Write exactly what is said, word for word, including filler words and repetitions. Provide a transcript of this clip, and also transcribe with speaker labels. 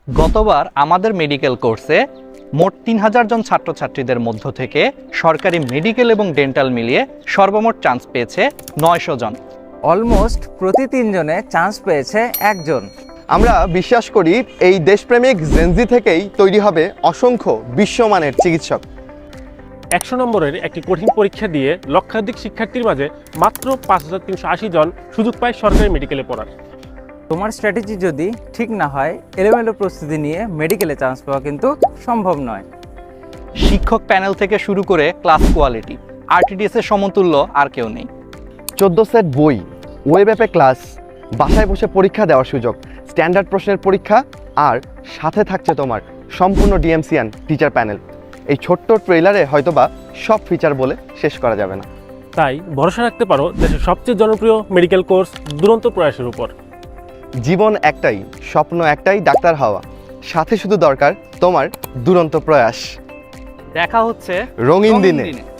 Speaker 1: গতবার আমাদের মেডিকেল কোর্সে মোট তিন হাজার জন ছাত্রছাত্রীদের মধ্য থেকে সরকারি মেডিকেল এবং ডেন্টাল মিলিয়ে সর্বমোট চান্স পেয়েছে নয়শো জন।
Speaker 2: অলমোস্ট প্রতি তিনজনে চান্স পেয়েছে একজন।
Speaker 3: আমরা বিশ্বাস করি এই দেশপ্রেমিক জেনজি থেকেই তৈরি হবে অসংখ্য বিশ্বমানের চিকিৎসক।
Speaker 4: একশো নম্বরের একটি কঠিন পরীক্ষা দিয়ে লক্ষাধিক শিক্ষার্থীর মাঝে মাত্র পাঁচ হাজার তিনশো আশি জন সুযোগ পায় সরকারি মেডিকেলে পড়ার।
Speaker 2: তোমার স্ট্র্যাটেজি যদি ঠিক না হয়, এলোমেলো প্রস্তুতি নিয়ে মেডিকেলে চান্স পাওয়া কিন্তু সম্ভব নয়।
Speaker 1: শিক্ষক প্যানেল থেকে শুরু করে ক্লাস কোয়ালিটি, আরটিডিএস এর সমতুল্য আর কেউ নেই।
Speaker 3: চোদ্দ সেট বই, ওয়েব অ্যাপে ক্লাস, বাসায় বসে পরীক্ষা দেওয়ার সুযোগ, স্ট্যান্ডার্ড প্রশ্নের পরীক্ষা, আর সাথে থাকছে তোমার সম্পূর্ণ ডিএমসিয়ান টিচার প্যানেল। এই ছোট্ট ট্রেলারে হয়তোবা সব ফিচার বলে শেষ করা যাবে না।
Speaker 4: তাই ভরসা রাখতে পারো দেশের সবচেয়ে জনপ্রিয় মেডিকেল কোর্স দুরন্ত প্রয়াসের উপর।
Speaker 3: জীবন একটাই, স্বপ্ন একটাই, ডাক্তার হওয়া। সাথে শুধু দরকার তোমার দুরন্ত প্রয়াস।
Speaker 1: দেখা হচ্ছে
Speaker 3: রঙিন দিনে।